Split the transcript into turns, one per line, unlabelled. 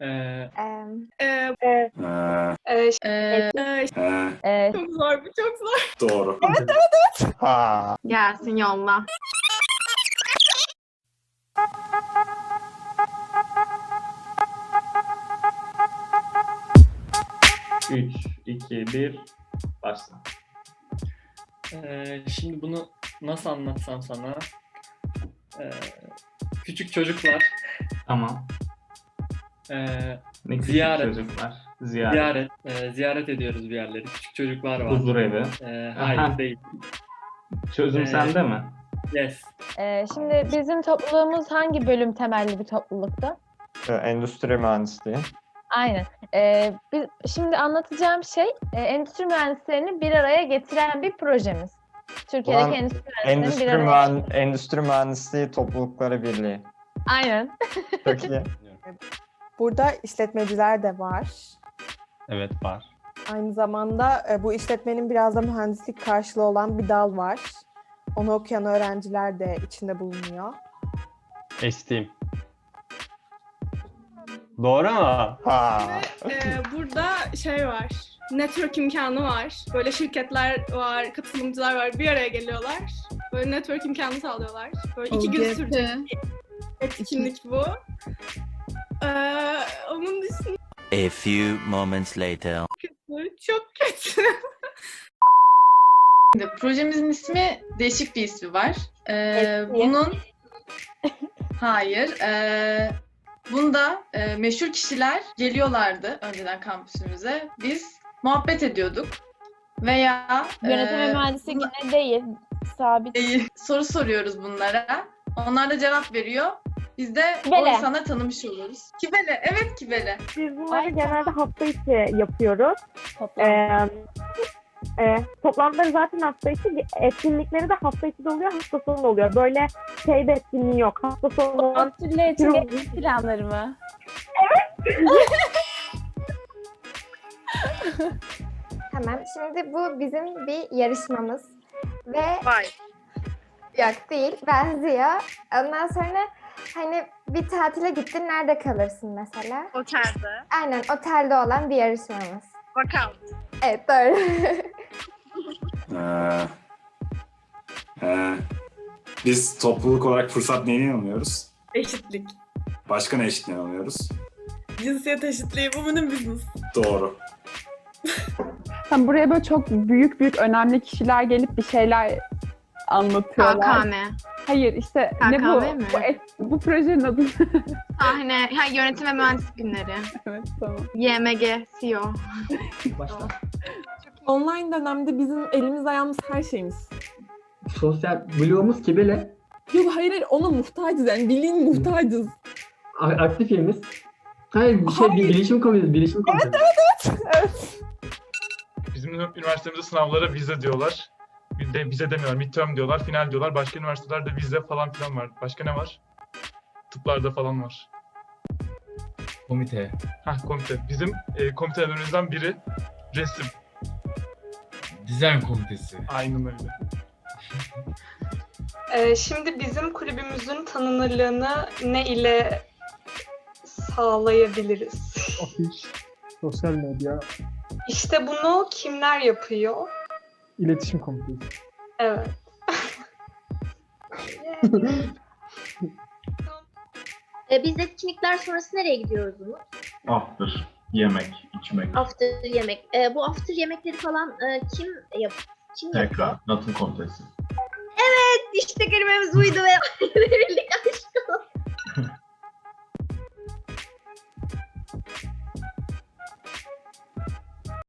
Ee,
Çok zor, bu çok zor.
Doğru.
Ha.
Gelsin yolla.
Üç, iki, bir, başla. Şimdi bunu nasıl anlatsam sana? Küçük çocuklar
Tamam. Ne küçük
ziyaret.
çocuklar. Ziyaret.
Ziyaret ediyoruz bir yerleri. Küçük çocuklar var.
Huzur evi.
Hayır
Aha.
değil.
Çözüm sende mi?
Yes.
Şimdi bizim topluluğumuz hangi bölüm temelli bir topluluktu?
Endüstri mühendisliği.
Aynen. Biz, şimdi anlatacağım şey endüstri mühendislerini bir araya getiren bir projemiz. Türkiye'deki
Ulan,
endüstri mühendislerini bir araya
Endüstri Mühendisliği Toplulukları Birliği.
Aynen.
Çok iyi.
Burada işletmeciler de var.
Evet var.
Aynı zamanda bu işletmenin biraz da mühendislik karşılığı olan bir dal var. Onu okuyan öğrenciler de içinde bulunuyor.
Esteem. Doğru mu?
Ha.
Burada şey var. Network imkanı var. Böyle şirketler var, katılımcılar var. Bir araya geliyorlar. Böyle network imkanı sağlıyorlar. Böyle 2 gün sürecek bir etkinlik bu. Onun dışında
A few moments later.
çok kötü.
Projemizin ismi, değişik bir ismi var. Bunun hayır. Bunda meşhur kişiler geliyorlardı önceden kampüsümüze. Biz muhabbet ediyorduk veya
Yönetim ve mühendislik yine değil. Sabit.
soru soruyoruz bunlara. Onlar da cevap veriyor. Biz de o
Kibele.
insanları tanımış oluruz. Kibele, evet Kibele.
Biz bunları
Ay,
genelde hafta içi yapıyoruz.
Toplam.
Toplantıları zaten hafta içi, etkinlikleri de hafta içi de oluyor, hafta sonu da oluyor. Böyle şey de etkinliği yok. Hafta sonu olan
planları mı?
Tamam. Şimdi bu bizim bir yarışmamız. Ve yok değil. Benziyor. Ondan sonra hani bir tatile gittin, nerede kalırsın mesela?
Otelde.
Aynen, otelde olan bir yarışmamız.
Bakalım.
Evet, doğru.
Biz topluluk olarak fırsat neyine inanıyoruz?
Eşitlik.
Başka ne eşitliğine inanıyoruz?
Cinsiyet eşitliği, women business.
Doğru.
Tam buraya böyle çok büyük önemli kişiler gelip bir şeyler anlatıyorlar.
KKM.
Hayır işte ne
KKM
bu?
mi?
Bu projenin adı.
Sahne, yönetim ve mühendislik günleri.
Evet tamam.
YMG, CEO.
Online dönemde bizim elimiz ayağımız her şeyimiz.
Sosyal bloğumuz Kibele.
Yok hayır ona muhtacız yani bildiğin muhtacız.
Aktif yerimiz. Hayır, bilişim komitesi.
Evet.
Bizim üniversitemizde sınavlara vize diyorlar. Vize demiyorlar, midterm diyorlar, final diyorlar. Başka üniversitelerde vize falan filan var. Başka ne var? Tıplarda falan var.
Komite.
Komite. Bizim komitelerimizden biri resim.
Dizayn komitesi.
Aynen öyle.
Şimdi bizim kulübümüzün tanınırlığını ne ile sağlayabiliriz?
Afiş, sosyal medya,
İşte bunu kimler yapıyor?
iletişim komitesi.
Evet.
Biz etkinlikler sonrası nereye gidiyoruz bunu?
After. Yemek, içmek.
After yemek. Bu after yemekleri falan kim yapıyor?
Tekrar. Natın komitesi.
İşte kelimemiz buydu ve